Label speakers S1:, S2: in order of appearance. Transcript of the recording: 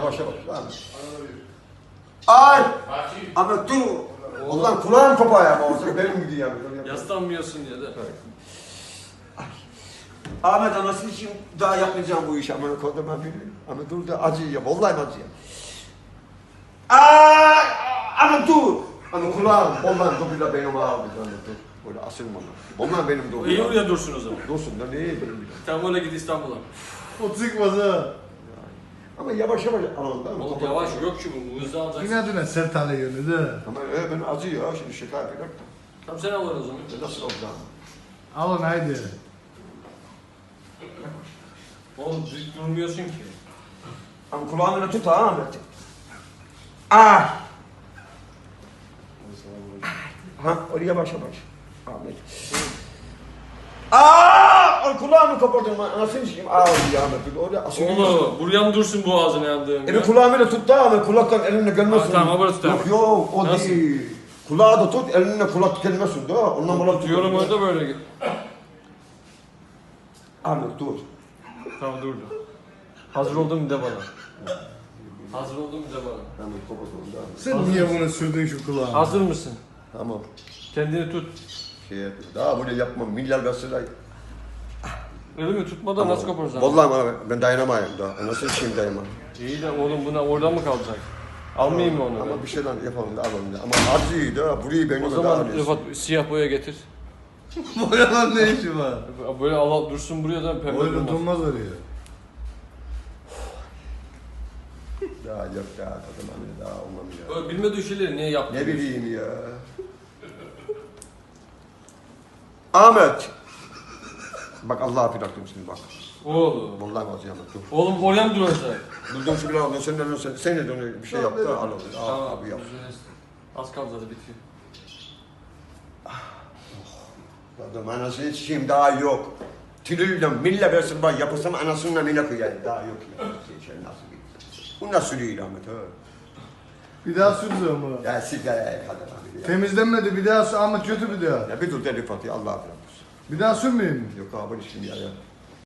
S1: yavaş yavaş. Ay! Ama dur. Ulan kulağım kopar ya. Benim gidiyor.
S2: Yaslanmıyorsun diye de.
S1: Ahmet anasını için daha yapmayacağım bu işi. Aman kodum ben biliyorum. Ama dur da acıyım. Vallahi acıyım. Ay! Ama dur. Ama kulağım. Ondan dur benim ağabey. Dur. Böyle asılma. Onlar benim doğru.
S2: İyi oraya dursun o zaman.
S1: Dursun da neye benim?
S2: Tamam öyle git İstanbul'a.
S3: O çıkmaz ha.
S1: Ama yavaş yavaş alalım değil mi?
S2: Oğlum yavaş yok ki bu hızlı alacaksın.
S3: Yine düne sert hale yönü de.
S1: Ama ben acıyor şimdi şaka yapıyorum.
S2: Tamam sen al o zaman.
S1: Nasıl olacağım?
S3: Alın haydi.
S2: Oğlum düz durmuyorsun ki.
S1: Ama kulağını tut ha Ahmet. Ah! Ha oraya başa baş. Ahmet. Aa! Kulağımı kapatın. Nasıl işim? Aa ya Ahmet. Oraya asılıyor.
S2: Oğlum buraya mı dursun boğazını yandığın?
S1: Eli kulağımı da tut da Ahmet. Kulaktan elinle gelmesin.
S2: Tamam böyle tut.
S1: Yok o
S2: Nasıl?
S1: değil. Kulağı da tut elinle kulak gelmesin da. Ondan kulak
S2: Tutuyorum orada böyle git.
S1: Ahmet dur.
S2: Tamam durdu. Hazır oldun mu de bana. Hazır oldun mu de bana.
S1: Tamam kapatalım da.
S3: Sen niye bunu sürdün şu kulağına?
S2: Hazır mısın?
S1: Tamam.
S2: Kendini tut.
S1: Daha böyle yapmam. Milyar gazeteler.
S2: Öyle mi? Tutmadan nasıl koparsan?
S1: Vallahi ben dayanamayayım daha. Nasıl işim dayanamam.
S2: İyi de oğlum buna oradan mı kalacak? Almayayım mı onu?
S1: Ama bir şeyler yapalım da alalım da. Ama acıyı da burayı benim
S2: O zaman Rıfat siyah boya getir.
S3: Boyalan ne işi var?
S2: Böyle al dursun buraya da pembe
S3: Boyla
S2: durmaz.
S3: durmaz oraya.
S1: Daha yok daha kadın daha olmam ya.
S2: Böyle bilmediği şeyleri niye yaptın?
S1: Ne bileyim ya. Ahmet. Bak Allah'a bıraktım şimdi bak.
S2: Oğlum.
S1: Vallahi vaziyem dur.
S2: Oğlum oraya mı duracak?
S1: Durdum şu biraz da sen de dönüyor bir şey yaptı al onu.
S2: Tamam
S1: Al abi yap.
S2: Az kaldı hadi bitiyor.
S1: Adam anasını içeyim daha yok. Tülüyle mille versin bak yapırsam anasının mille koyayım daha yok ya. Şey nasıl bir. Bu nasıl değil Ahmet ha?
S3: Bir daha sürüyor mu?
S1: Ya sigara kadar abi ya.
S3: Temizlenmedi bir daha sür. Ahmet kötü bir daha.
S1: Ya bir dur deli Fatih Allah'a bırakmış.
S3: Bir daha sürmeyeyim mi?
S1: Yok abi şimdi ya.